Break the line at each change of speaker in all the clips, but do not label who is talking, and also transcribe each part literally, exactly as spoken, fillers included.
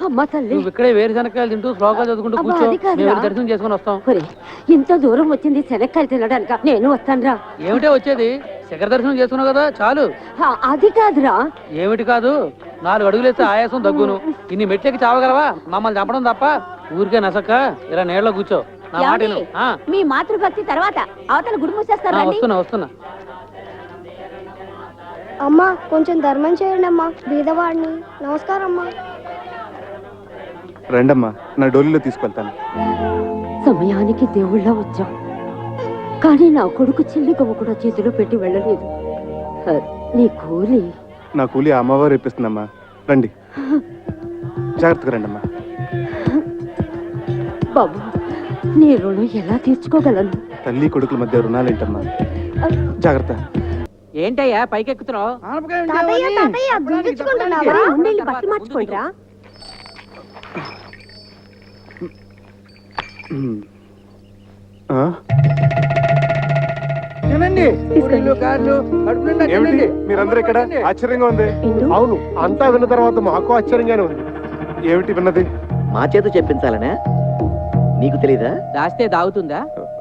అమ్మ తల్లి,
నువ్వు ఇక్కడే వేరుశనక్కాయలు తింటూ శ్లోకాలు చదువుకుంటూ
అబ్బా,
కూర్చో.
అది కాదురా.
మేము వెళ్ళి దర్శనం చేసుకుని వస్తాం.
ఒరేయ్, ఇంత దూరం వచ్చింది శనక్కాయలు తినడానిక? నేను వస్తానురా.
ఏమిటే వచ్చేది? శిఖర దర్శనం చేసుకున్నావు కదా, చాలు.
ఆ, అది కాదురా.
ఏమిటి కాదు? నాలుగు అడుగులేస్తే ఆయాసం దగ్గును. ఇన్ని మెట్లకి చావగలవా? మమ్మల్ని చంపడం తప్ప. ఊరికే నసక్క ఇలా నీళ్ళలో కూర్చో. నా మాట విను. ఆ,
మీ మాతృభక్తి తర్వాత అవతల గుడి
ఆ,
మూసేస్తారా?
వస్తున్నా వస్తున్నా.
అమ్మా కొంచెం ధర్మం చేయండి అమ్మా, బీదవాడిని. నమస్కారం అమ్మా.
రండమ్మా, నా డోలీలో తీసుకెళ్తాను.
సమయానికి దేవుళ్ళ వచ్చాం, కానీ నా కొడుకు చిల్లి గవ్వ కూడా చేతిలో పెట్టి వెళ్ళలేదు. ఆ, నీ కూలి
నా కూలి ఆ అమ్మవారు ఇప్పిస్తుందమ్మా. రండి, జాగ్రత్తగా రండమ్మా.
బాబు, నీ రుణం ఎలా తీర్చుకోగలను?
తల్లి కొడుకుల మధ్య రుణాలేంటమ్మా? జాగ్రత్త.
ఏంటయ్యా పైకెక్కుతున్నావు?
తాతయ్య తాతయ్య గుర్తించుకుంటున్నావా?
ఉండేళ్ళు బట్టలు మార్చుకోండిరా.
ఆ?
తినండి, పూరీలు, గారెలు, కడుపు నిండా
ఏమిటి
తినండి.
మీరందరూ ఇక్కడ? ఆశ్చర్యంగా ఉంది.
ఇందు,
అవును, అంతా విన్న తర్వాత మాకు ఆశ్చర్యంగానే ఉంది.
ఏమిటి విన్నది?
మా చేత చెప్పించాలనే నీకు తెలీదా?
దాస్తే దాగుతుందా?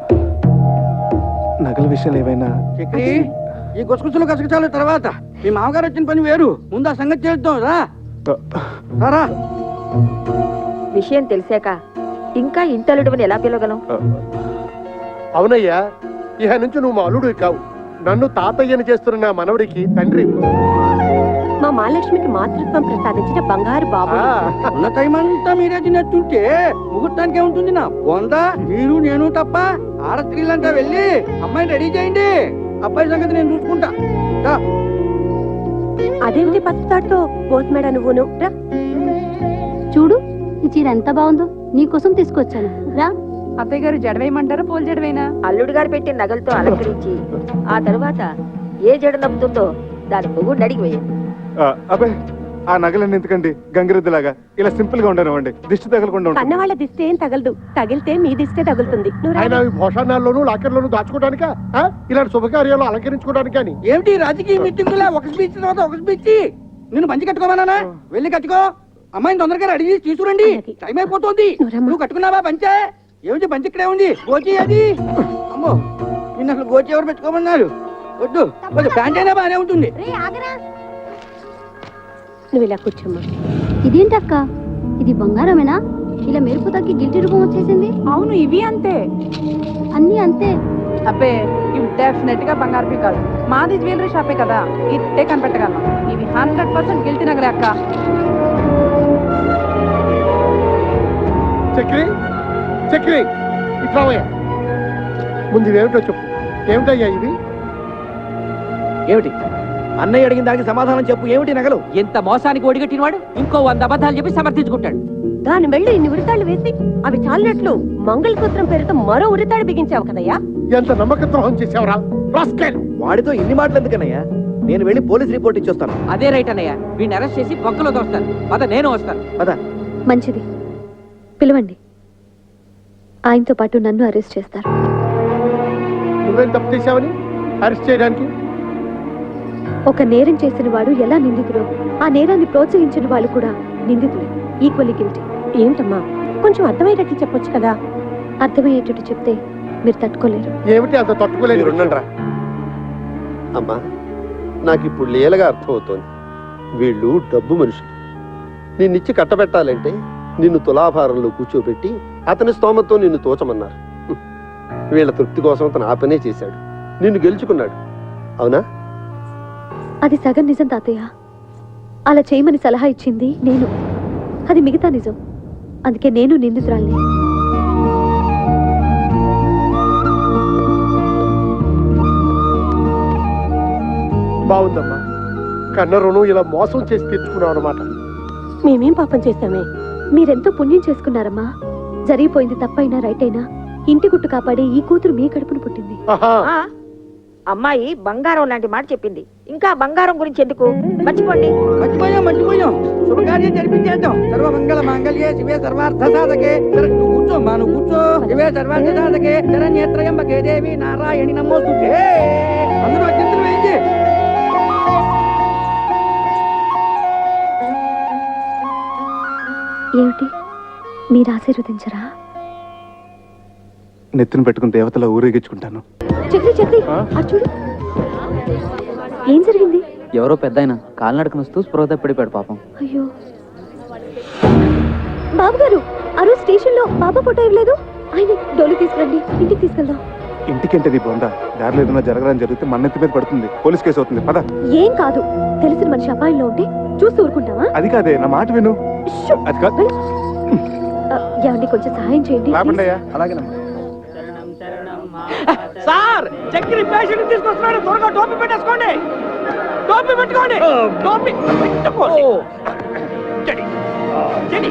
నగల విషయాలు ఏమైనా?
చక్రి, ఈ గుసగుసలు గసగసాలు తర్వాత మీ మామగారు వచ్చిన పని వేరు. ముందు ఆ సంగతి చేద్దాం రా. రారా.
విషయం తెలిసాక ఇంకా ఇంటలుడువని ఎలా పిలవగలం?
అవునయ్యా, ఇహ నుంచి నువ్వు మా అల్లుడు కావు, నన్ను తాతయ్యని చేస్తున్న నా మనవడికి తండ్రి.
మా మహాలక్ష్మికి మాతృత్వం ప్రసాదించిన బంగారు బాబు.
ఉన్న టైం అంతా మీరే తినట్టుంటే ముహూర్తానికి ఏముంటుంది నా వంద? మీరు నేను తప్ప ఆడ స్త్రీలంతా వెళ్ళి అమ్మాయిని రెడీ చేయండి. అబ్బాయి సంగతి నేను చూసుకుంటా. రా.
అదేమిటి పసుపుతాడుతో పోస్మేడా నువ్వును? రా.
చూడు, ఈ చీర ఎంత బాగుందో, నీకోసం తీసుకొచ్చాను. రా.
అత్తయ్య గారు జడవేయమంటారా పోల్ జడవేనా? అల్లుడు గారు పెట్టిన నగలతో అలంకరించి ఆ తరువాత ఏ జడ నప్పుతుందో దాని పొగుడు అడిగి వేయండి.
ఆ, అబ్బాయి, ఆ నగలన్నీ ఎందుకండి? గంగిరెద్దులాగా ఇలా సింపుల్ గా ఉండనివ్వండి, దిష్టి తగలకుండా ఉంటుంది.
కన్న వాళ్ళ దిస్తే ఏం తగలదు, తగిలితే మీ దిస్తే తగులుతుంది. నువ్వు రా.
ఆయన భోషణాల్లోనూ లాకర్లోనూ దాచుకోవడానికా? ఆ? ఇలాంటి శుభకార్యాలు అలంకరించుకోవడానికి అని ఏమిటి రాజకీయ మీటింగులా? ఒక స్పీచ్ తర్వాత ఒక స్పీచ్. నిన్ను మంచి కట్టుకోమన్నానా? వెళ్ళి కట్టుకో. అమ్మాయిని తొందరగా రెడీ చేసి తీసుకురండి, టైం అయిపోతుంది. నువ్వు కట్టుకున్నావా పంచే? ఏమిటి పంచి ఇక్కడే ఉంది, గోచి అది. అమ్మో, నిన్న అసలు గోచి ఎవరు పెట్టుకోమన్నారు? వద్దు వద్దు, ప్యాంట్ అయినా బాగానే ఉంటుంది.
నువ్వు ఇలా కూర్చోమ్మా.
ఇదేంటక్క, ఇది బంగారమేనా? ఇలా మెరుపు తగ్గి గిల్టి రూపం వచ్చేసింది.
అవును, ఇవి అంతే.
అన్ని అంతే.
అబ్బే, ఇవి డెఫినెట్ గా బంగారు కాదు. మాది జ్యువెలరీ షాపే కదా, ఇట్టే కనిపెట్టగలం. ఇవి హండ్రెడ్ పర్సెంట్ గిల్టీ నగలే అక్క.
చక్రి చక్రి ఇట్లావయ్యా, ముందు ఇవేమిటో చెప్పు. ఏమిటయ్యా ఇవి?
ఏమిటి? అన్నయ్య అడిగిన దానికి సమాధానం చెప్పు. ఏమిటి నగలు?
ఎంత మోసానికి ఒడిగట్టినవాడు ఇంకో వంద అబద్ధాలు చెప్పి సమర్థించుకుంటాడు.
దాని మెళ్ళు ఇన్ని ఉరితాళ్ళు వేసి అవి చాలినట్లు మంగళసూత్రం పేరుతో మరో ఉరితాడు బిగించావు కదయ్యా.
ఎంత నమ్మక ద్రోహం చేసావురా రాస్కెల్.
వాడితో ఇన్ని మాటలు ఎందుకన్నయ్యా? నేను వెళ్ళి పోలీస్ రిపోర్ట్ ఇచ్చొస్తాను.
అదే రైట్ అన్నయ్య, వీడిని అరెస్ట్ చేసి పక్కలో దోస్తాను. పద, నేను వస్తాను.
పద.
మంచిది, పిలవండి. ఆయనతో పాటు నన్ను అరెస్ట్ చేస్తారు.
నువ్వేం తప్పు చేశావని అరెస్ట్ చేయడానికి?
ఒక నేరం చేసిన వాడు ఎలా నిందితుడో, ఆ నేరాన్ని ప్రోత్సహించిన వాళ్ళు కూడా నిందితులే, ఈక్వల్లీ గిల్టీ.
ఏంటమ్మా, కొంచెం అర్థమయ్యేటట్లు చెప్పొచ్చు కదా.
అర్థమయ్యేటట్టు చెప్తే మీరు తట్టుకోలేరు.
ఏమిటి అంత తట్టుకోలేదు?
ఉండండిరా అమ్మా, నాకు ఇప్పుడు లీలగా అర్థమవుతోంది. వీళ్ళు డబ్బు మనుషులు. నిన్నిచ్చి కట్టబెట్టాలంటే నిన్ను తులాభారంలో కూర్చోబెట్టి అతని స్తోమతో నిన్ను తోచమన్నారు. వీళ్ళ తృప్తి కోసం అతను ఆ పనే చేశాడు, నిన్ను గెలుచుకున్నాడు. అవునా?
అది సగం నిజం తాతయ్య. అలా చేయమని సలహా ఇచ్చింది నేను, అది మిగతా నిజం. అందుకే నేను నిందితురాల్ని.
బాగుందమ్మా, కన్న రుణం ఇలా మోసం చేసి తెచ్చుకున్నావు అనమాట.
మేమేం పాపం చేశామే?
మీరెంతో పుణ్యం చేసుకున్నారమ్మా. జరిగిపోయింది తప్పైనా రైట్ అయినా ఇంటి గుట్టు కాపాడే ఈ కూతురు మీ కడుపును పుట్టింది.
ఆ, అమ్మాయి బంగారం లాంటి మాట చెప్పింది. ఇంకా బంగారం గురించి ఎందుకు? మర్చిపోండి.
మర్చిపోయాం మర్చిపోయాం శుభకార్యం జరిపించేద్దాం. సర్వ మంగళ మాంగళ్యే శివే సర్వార్థ సాధకే. నువ్వు కూర్చో మా, నువ్వు కూర్చో. శివే సర్వార్థ సాధకే శరణ్యేత్రయంబకే దేవి నారాయణి నమోస్తుతే. అందరూ అత్యంతలు వేయించి.
ఏమిటి మీరు ఆశీర్వదించరా?
నెత్తిన పెట్టుకుని దేవతలా ఊరేగించుకుంటాను.
చక్రి చక్రి
ఆ?
అటు చూడు. ఏం జరిగింది?
ఎవరో పెద్ద ఆయన కాలినడకను వస్తూ స్పృహ తప్పిడిపాడు పాపం.
అయ్యో బాబు గారు, ఆ రోజు స్టేషన్ లో బాబా ఫోటో ఇవ్వలేదు. ఆయన డోలు తీసుకురండి, ఇంటికి తీసుకెళ్దాం.
ఇంటికంటే నీ బొందా దారిలో ఏదైనా జరగడానికి జరిగితే మన నెత్తి మీద పడుతుంది, పోలీస్ కేసు అవుతుంది. పద.
ఏం కాదు, తెలిసిన మనిషి అపాయంలో ఉంటే చూస్తూ ఊరుకుంటావా?
అది కాదే, నా మాట విను.
షూ!
అది కాదు.
ఆ, ఏమండి కొంచెం సహాయం చేయండి.
లాభండి అయ్యా.
అలాగేనమ్మా.
సార్ చక్కెర పేషెంట్ తీసుకొస్తున్నాడు, త్వరగా టోపీ పెట్టేసుకోండి. టోపీ పెట్టుకోండి. టోపీ పెట్టుకోండి. చెడి. చెడి.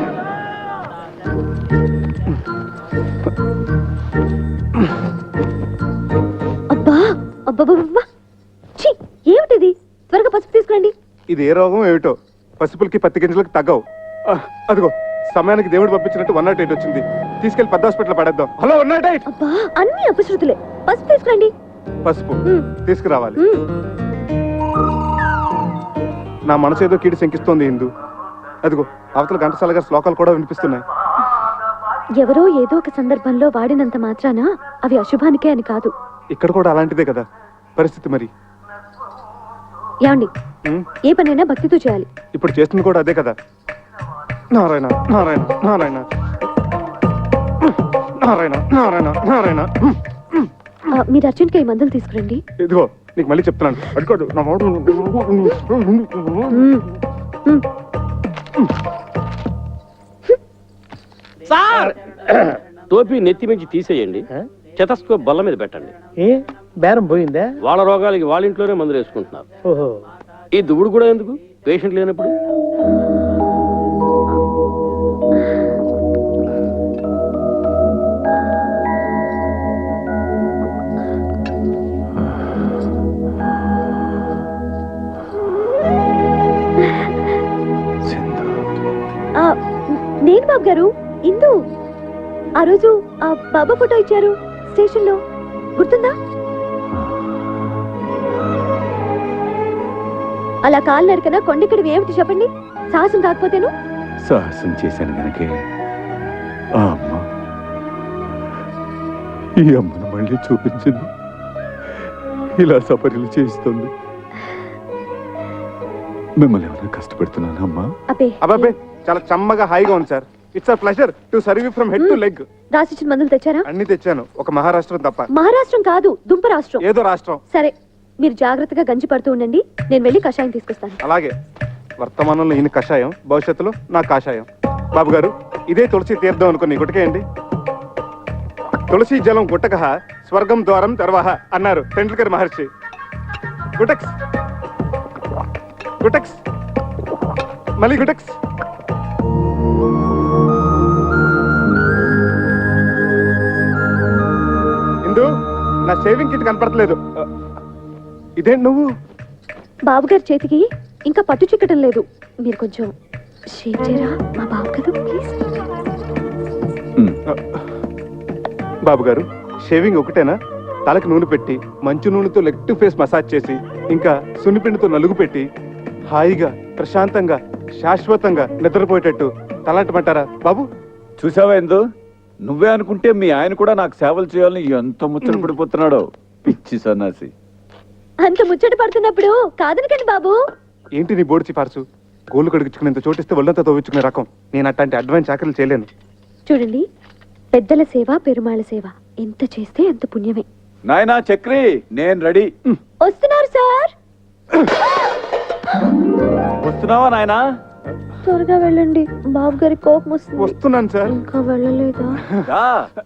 అబ్బా అబ్బా, ఛీ, ఏమిటిది? త్వరగా పసుపు తీసుకురండి.
ఇది ఏ రోగం ఏమిటో, పసుపులకి పత్తి గింజలకు తగ్గవు. ఆ, అదిగో సమయానికి దేవుడు పంపించినట్టు వన్ నాట్ ఎయిట్ వచ్చింది. తీసుకెళ్లి పెద్ద హాస్పిటల్ పడేద్దాం. Hello one nought eight.
అబ్బా అన్ని అపశృతులే. పసుపు తీసుకురండి.
పసుపు
ఉమ్,
తీసుకురావాలి.
ఉమ్.
నా మనసు ఏదో కీడి శంకిస్తోంది హిందూ. అదిగో అవతల ఘంటసాల గారి శ్లోకాలు కూడా వినిపిస్తున్నాయి.
ఎవరో ఏదో ఒక సందర్భంలో వాడినంత మాత్రాన అవి అశుభానికే అని కాదు.
ఇక్కడ కూడా అలాంటిదే కదా పరిస్థితి. మరి
ఏమండి,
ఉమ్,
ఏ పనైనా భక్తితో చేయాలి.
ఇప్పుడు చేస్తుంది కూడా అదే కదా. నారాయణ నారాయణ నారాయణ నారాయణ నారాయణ నారాయణ.
ఆ, మీరు అర్జెంట్గా ఈ మందులు తీసుకురండి.
ఇదిగో నీకు మళ్ళీ చెప్తున్నాను, అడుకోదు నా మాట.
ఉమ్, ఉమ్.
సార్ టోపీ నెత్తి మించి తీసేయండి, చెతస్కోప్ బల్ల మీద పెట్టండి.
ఏ బేరం పోయిందా?
వాళ్ళ రోగాలకి వాళ్ళ ఇంట్లోనే మందులు వేసుకుంటున్నారు.
ఓహో.
ఈ దువ్వుడు కూడా ఎందుకు, పేషెంట్ లేనప్పుడు?
ఆ, నేను బాబు గారు, ఇందు. ఆ రోజు ఆ బాబా ఫోటో ఇచ్చారు స్టేషన్ లో, గుర్తుందా? అలా కాలు నడకన కొండెక్కడివి ఏమిటి చెప్పండి? సాహసం కాకపోతేను.
సాహసం చేశాను గనకే ఆ అమ్మ ఈ అమ్మను మళ్ళీ చూపించింది, ఇలా సపర్యలు చేయిస్తుంది. మిమ్మల్ని ఏమైనా కష్టపెడుతున్నాను అమ్మా?
అబ్బే
అబ్బాబే చాలా చమ్మగా హాయిగా ఉంది sir. It's a pleasure to serve you from head to leg.
రాసిచ్చిన మందులు తెచ్చారా?
అన్ని తెచ్చాను, ఒక మహారాష్ట్రం తప్ప.
మహారాష్ట్రం కాదు, దుంప రాష్ట్రం.
ఏదో రాష్ట్రం.
సరే, మీరు జాగ్రత్తగా గంజి పడుతూ ఉండండి, నేను వెళ్ళి కషాయం తీసుకొస్తాను.
అలాగే. వర్తమానంలో ఈయన కషాయం, భవిష్యత్తులో నా కాషాయం. బాబు గారు, ఇదే తులసి తీర్థం అనుకుని గుటకేయండి. తులసి జలం గుట్టక స్వర్గం ద్వారం తర్వాహ అన్నారు టెండూల్కర్ మహర్షి. గుటక్స్ గుటక్స్ మళ్ళీ గుటక్స్. ఇందు, నా షేవింగ్ కిట్ కనపడట్లేదు. ఇదేంటి నువ్వు?
బాబు గారి చేతికి ఇంకా పట్టు చిక్కటం లేదు, మీరు కొంచెం షేవ్ చేయరా? మా బాబు కదా, ప్లీజ్.
బాబు గారు, షేవింగ్ ఒకటేనా? తలకి నూనె పెట్టి మంచు నూనెతో లెగ్ టు ఫేస్ మసాజ్ చేసి ఇంకా సున్నిపిండితో నలుగు పెట్టి హాయిగా ప్రశాంతంగా శాశ్వతంగా నిద్రపోయేటట్టు తలాంటమంటారా బాబు?
చూసావా ఎందు, నువ్వే అనుకుంటే మీ ఆయన కూడా నాకు సేవలు చేయాలని ఎంత ముచ్చట పడిపోతున్నాడో, పిచ్చి సన్నాసి.
అంత ముచ్చట పడుతున్నప్పుడు కాదనకండి బాబు.
ఏంటి నీ బోర్డు సిఫార్సు? గోళ్ళు కడిగించుకునేంత చోటిస్తే ఒళ్ళంతా తవ్వించుకునే రకం. నేను అట్లాంటి అడ్వాన్స్ చాకరీలు చేయలేను.
చూడండి, పెద్దల సేవ పెరుమాళ సేవ ఎంత చేస్తే అంత పుణ్యమే.
నాయనా చక్రి, నేను రెడీ.
వస్తున్నారు సార్.
వస్తున్నావా నాయనా?
త్వరగా వెళ్ళండి, బాబు గారి కోపం వస్తుంది.
వస్తున్నాను సార్.
ఇంకా వెళ్ళలేదా?
రా.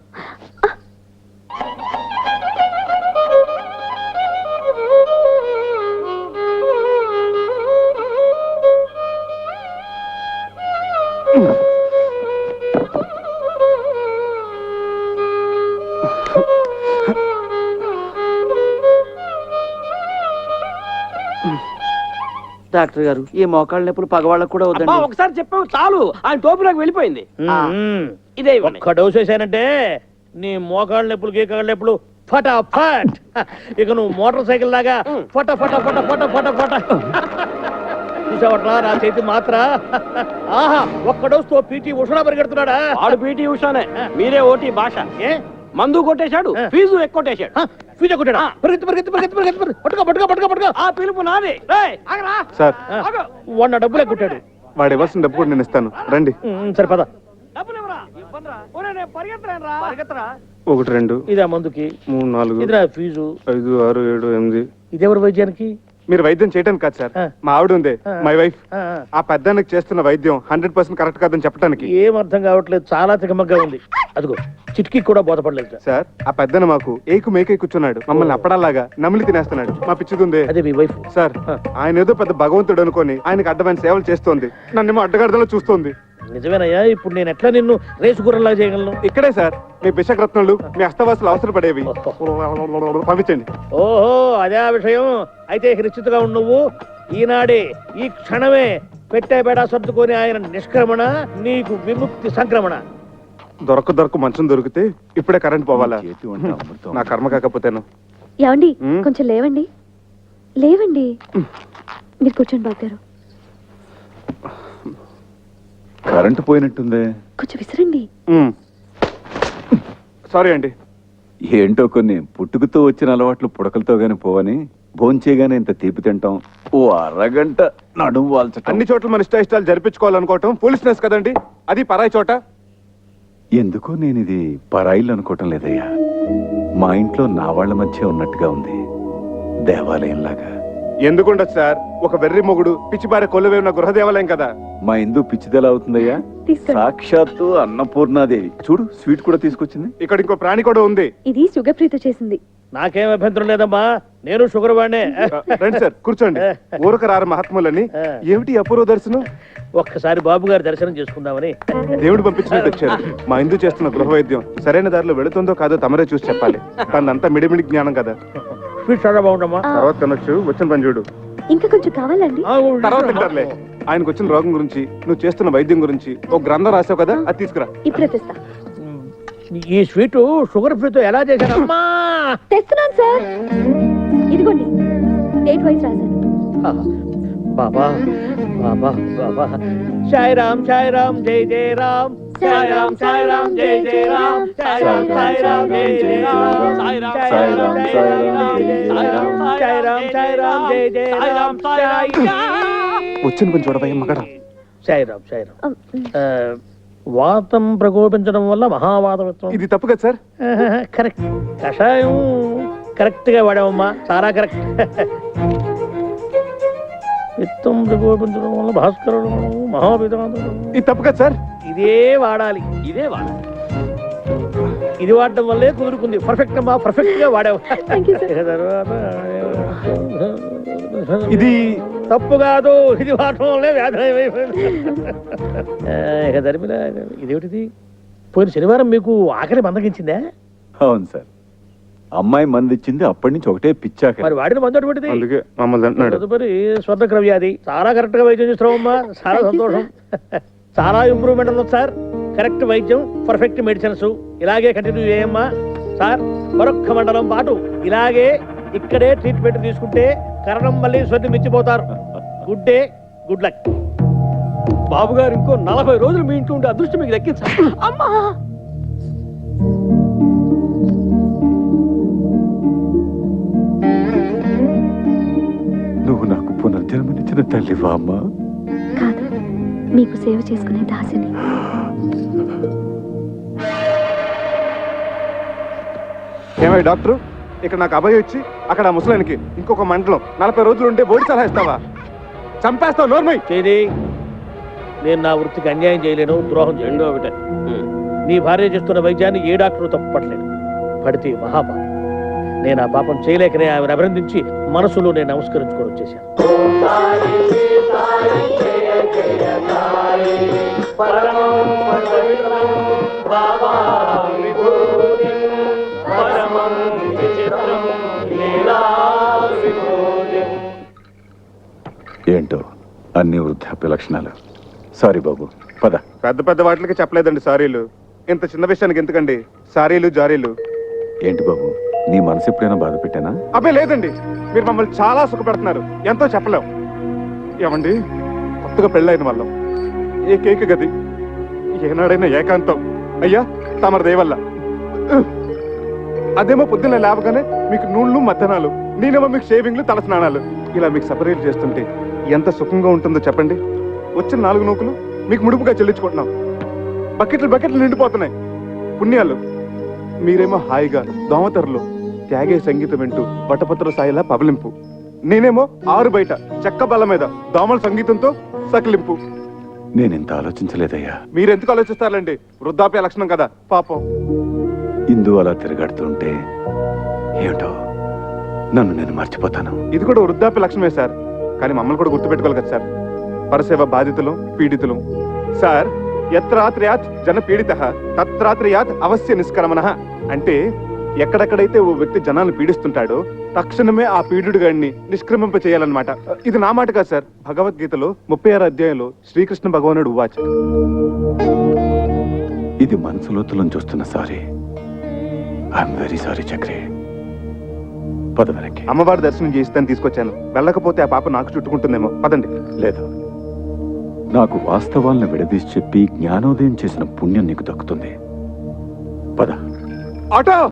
డాక్టర్ గారు, ఈ మోకాళ్ళ నొప్పులు పగవాళ్ళకు కూడా
అబ్బా,
వద్దండి.
ఒకసారి చెప్పావు చాలు, ఆయన టోపీలోకి వెళ్ళిపోయింది. ఆ, ఇదే ఇవ్వండి.
ఒక్క డోస్ వేసానంటే నీ మోకాళ్ళ నొప్పులు గీకాళ్ళ నొప్పులు ఫటాఫట్. ఇక నువ్వు మోటార్ సైకిల్ లాగా ఫట ఫట ఫట ఫట ఫట ఫట చూసావట్లా నా చేతి మాత్ర ఆహా ఒక్క డోస్ తో పీటీ ఉషా పరిగెడుతున్నాడా
ఆడు పీటీ ఉషానే మీరే ఓటీ భాష
ఏ
మందు కొట్టేశాడు ఫీజు ఎక్కువ
ఫీజు కొట్టాడా పరిగెత్తి పరిగెత్తి పరిగెత్తి పరిగెత్తి పట్టుకో పట్టుకో పట్టుకో పట్టుకో
ఆ పిలుపు నాది రేయ్, ఆగరా.
సార్
ఆగు.
వాడిన డబ్బులే కొట్టాడు
వాడు ఇవ్వాల్సిన డబ్బు కూడా నేను ఇస్తాను రండి.
ఉమ్, సరే పద
డబ్బులు ఇవ్వరా? ఇవ్వనురా. ఒరేయ్, నేను పరిగెత్తలేనురా. పరిగెత్తరా.
ఒకటి రెండు
ఇదే మందుకి
మూడు నాలుగు
ఇది నా ఫీజు
ఐదు ఆరు ఏడు ఎనిమిది.
ఇదెవరు వైద్యానికి
మీరు వైద్యం చేయడానికి కాదు సార్,
ఆ.
మా ఆవిడ ఉంది
ఆ.
My wife.
ఆ, ఆ.
ఆ పెద్దానికి చేస్తున్న వైద్యం హండ్రెడ్ పర్సెంట్ కరెక్ట్ కాదని చెప్పడానికి.
ఏం అర్థం కావట్లేదు చాలా తికమగ్గా ఉంది అదిగో చిటికి కూడా బోధపడలేదు సార్.
సార్ ఆ పెద్దన మాకు ఏకు మేకే కూర్చున్నాడు, మమ్మల్ని అప్పడాలాగా నమిలి తినేస్తున్నాడు. మా పిచ్చిదుందే
అదే మీ వైఫ్
సార్,
ఆ.
ఆయన ఏదో పెద్ద భగవంతుడు అనుకొని ఆయనకి అడ్డమైన సేవలు చేస్తోంది, నన్నేమో అడ్డగడ్డలో చూస్తోంది.
నిజమేనయ్యా ఇప్పుడు నేను ఎట్లా నిన్ను రేసు గుర్రంలా చేయగలను
ఇక్కడే సార్ మీ బిషక్రత్నాలు మీ అస్తవాసులు అవసరపడేవి. పంపించండి.
ఓహో అదే ఆ విషయం అయితే నిశ్చితగా ఉండు నువ్వు ఈనాడే ఈ క్షణమే పెట్టే బేడా సర్దుకొని ఆయన నిష్క్రమణ నీకు విముక్తి సంక్రమణ.
దొరక దొరక మంచం దొరికితే ఇప్పుడే కరెంట్ పోవాలా?
చేతి వంట అమృతం.
నా కర్మ కాకపోతేను.
ఏమండి
ఉమ్.
కొంచెం లేవండి లేవండి మీరు కూర్చోండి బాబు గారు.
కరెంటు పోయినట్టుందే.
కొంచెం విసిరండి.
ఉమ్. సారీ అండి.
ఏంటో కొన్ని పుట్టుకతో వచ్చిన అలవాట్లు పుడకలతో గాని పోవని భోంచేయగానే ఇంత తీపి తింటాం, ఓ అరగంట నడుము వాల్చటం.
అన్ని చోట్ల మన ఇష్ట ఇష్టాలు జరిపించుకోవాలనుకోవటం ఫూలిష్నెస్ కదండి. అది పరాయి చోట.
ఎందుకో నేను ఇది పరాయిలు అనుకోవటం లేదయ్యా. మా ఇంట్లో నా వాళ్ళ మధ్య ఉన్నట్టుగా ఉంది, దేవాలయంలాగా.
ఎందుకుండదు సార్, ఒక వెర్రి మొగుడు పిచ్చిబారే కొలువే ఉన్న గృహదేవాలయం కదా.
మా ఇందు పిచ్చిదెలా అవుతుందయ్యా?
తీసుకోండి.
సాక్షాత్తు అన్నపూర్ణాదేవి. చూడు స్వీట్ కూడా తీసుకొచ్చింది.
ఇక్కడ ఇంకో ప్రాణి కూడా ఉంది.
ఇది సుగప్రీత చేసింది.
నాకేం అభ్యంతరం లేదమ్మా నేను షుగర్ వాడినే.
రండి సార్ కూర్చోండి. ఊరక రారు మహాత్ములని. ఏమిటి ఈ అపూర్వ దర్శనం?
ఒక్కసారి బాబు గారి దర్శనం చేసుకుందామని.
దేవుడు పంపించినట్టు వచ్చారు. మా ఇందు చేస్తున్న గృహ వైద్యం సరైన దారిలో వెళుతుందో కాదో తమరే చూసి చెప్పాలి. తనంతా మిడిమిడి జ్ఞానం కదా.
స్వీట్ చాలా బాగుండమ్మా.
ఆ,
తర్వాత కనొచ్చు, వచ్చిన పని చూడు.
ఇంకా కొంచెం కావాలండి.
ఆ,
తర్వాత తింటారులే. ఆయనకు వచ్చిన రోగం గురించి నువ్వు చేస్తున్న వైద్యం గురించి ఒక గ్రంథం రాసావు కదా, అది తీసుకురా.
ఇప్పుడే తెస్తా.
ఈ స్వీట్ షుగర్ ఫ్రీతో ఎలా చేశానమ్మా?
తెస్తున్నాను సార్. ఇదిగోండి డేట్ వైజ్ రాశాను.
బాబా బాబా బాబా సాయి రామ్ సాయి రామ్ జై జై రామ్ సాయి రామ్ సాయి రామ్ జై జై రామ్ సాయి రామ్ సాయి రామ్ జై జై రామ్ సాయి రామ్ సాయి రామ్ జై జై రామ్ సాయి రామ్ సాయి రామ్ జై జై రామ్ సాయి
వచ్చిన పని చూడవయ్య మగడ.
సాయి రామ్ సాయి రామ్.
ఆ, ఉమ్.
ఆ, వాతం ప్రకోపించడం వల్ల మహావాతం.
ఇది తప్పు కదా సార్?
కరెక్ట్. కషాయం కరెక్ట్ గా వాడామమ్మా, చాలా కరెక్ట్. విత్తం ప్రకోపించడం వల్ల భాస్కరుడు మహాపితాంతుడు.
ఇది తప్పు కదా సార్?
ఇదే వాడాలి, ఇదే వాడాలి. ఇది వాడడం వల్లే కుదురుకుంది. పర్ఫెక్ట్ అమ్మా, పర్ఫెక్ట్ గా వాడావు.
Thank you, sir.
తర్వాత
ఇది
తప్పు కాదు, ఇది వాడటం వల్లే వ్యాధి అయిపోయింది. ఇక ధర్మిల ఇదేమిటిది? పోయిన శనివారం మీకు ఆఖరి మందగించిందా?
అవును సార్, అమ్మాయి మంది ఇచ్చింది, అప్పటి నుంచి ఒకటే పిచ్చాక.
మరి వాడిన మందు అటువంటిది.
అందుకే మమ్మల్ని అంటున్నాడు.
తదుపరి స్వర్ణక్ర వ్యాధి. చాలా కరెక్ట్ గా వైద్యం చేస్తున్నామమ్మా, చాలా సంతోషం. చాలా ఇంప్రూవ్మెంట్ ఉంది సార్. కరెక్ట్ వైద్యం, పర్ఫెక్ట్ మెడిసిన్స్. ఇలాగే కంటిన్యూ చేయమ్మా సార్. మరొక్క మండలం పాటు ఇలాగే ఇక్కడే ట్రీట్మెంట్ తీసుకుంటే కరణం మళ్ళీ స్వర్ణి మించిపోతారు. Good day, good luck.
బాబు గారు ఇంకో నలభై రోజులు మీ ఇంట్లో ఉంటే అదృష్టం మీకు దక్కించాలి.
అమ్మా
నువ్వు నాకు పునర్జన్మనిచ్చిన తల్లివా అమ్మా?
కాదు, మీకు సేవ చేసుకునే దాసిని.
ఏమై డాక్టర్, ఇక్కడ నాకు అభయం ఇచ్చి అక్కడ ఆ ముసలానికి ఇంకొక మండలం నలభై రోజులు ఉంటే బోడి సలహా ఇస్తావా? చంపేస్తావు నోర్మై.
చేది నేను నా వృత్తికి అన్యాయం చేయలేను, ద్రోహం చేయలేను.
రెండో ఒకటే.
నీ భార్య చేస్తున్న వైద్యాన్ని ఏ డాక్టరు తప్పట్లేదు. పడితే మహాపాపం. నేను ఆ పాపం చేయలేకనే ఆమెను అభినందించి మనసులో నేను నమస్కరించుకొని వచ్చేసాను.
ఏంటో అన్ని వృద్ధాప్య లక్షణాలు. సారీ బాబు, పద.
పెద్ద పెద్ద వాటికి చెప్పలేదండి సారీలు. ఇంత చిన్న విషయానికి ఎందుకండి సారీలు జారీలు?
ఏంటి బాబు, నీ మనసు ఎప్పుడైనా బాధ పెట్టానా?
అబ్బే లేదండి, మీరు మమ్మల్ని చాలా సుఖపెడుతున్నారు, ఎంతో చెప్పలేం. ఏమండి కొత్తగా పెళ్ళైన వాళ్ళం ఏకైక గది ఏనాడైనా ఏకాంతం అయ్యా తమరి దయవల్ల. అదేమో పొద్దున్న లేవగానే మీకు నూళ్ళు మద్దనాలు, నేనేమో మీకు షేవింగ్లు తల స్నానాలు. ఇలా మీకు సపరేట్ చేస్తుంటే ఎంత సుఖంగా ఉంటుందో చెప్పండి. వచ్చిన నాలుగు నూకులు మీకు ముడుపుగా చెల్లించుకుంటున్నాం. బకెట్లు బకెట్లు నిండిపోతున్నాయి పుణ్యాలు. మీరేమో హాయిగా దోమతెరలో త్యాగే సంగీతం వింటూ బట్టపత్ర సాయిలా పబలింపు. నేనేమో ఆరు బయట చెక్క బల్ల మీద దోమల సంగీతంతో సకిలింపు.
నేనెంత ఆలోచించలేదయ్యా.
మీరెందుకు ఆలోచిస్తారండి? వృద్ధాప్య లక్షణం కదా పాపం.
ఇందు అలా తిరగడుతుంటే ఏమిటో నన్ను నేను మర్చిపోతాను.
ఇది కూడా వృద్ధాప్య లక్షణమే సార్, కానీ మమ్మల్ని కూడా గుర్తుపెట్టుకోవాలి కదా సార్. పరసేవ బాధితులు పీడితులు సార్. యత్రాత్రయాత్ జన పీడిత తత్రాత్రయాత్ అవశ్య నిష్క్రమణ. అంటే ఎక్కడెక్కడైతే ఓ వ్యక్తి జనాలను పీడిస్తుంటాడో తక్షణమే ఆ పీడుడు గాడిని నిష్క్రమింప చేయాలన్నమాట. ఇది నా మాట కాదు సార్, భగవద్గీతలో ముప్పై ఆరు అధ్యాయంలో శ్రీకృష్ణ భగవానుడు వాచ.
ఇది మనసు లోతులను చూస్తున్న సారీ. I'm very sorry Chakri. పద వెనక్కి.
అమ్మవారి దర్శనం చేయిస్తాను తీసుకొచ్చాను. వెళ్ళకపోతే ఆ పాప నాకు చుట్టుకుంటుందేమో. పదండి.
లేదు, నాకు వాస్తవాలను విడదీసి చెప్పి జ్ఞానోదయం చేసిన పుణ్యం నీకు దక్కుతుంది. పద.
ఆటో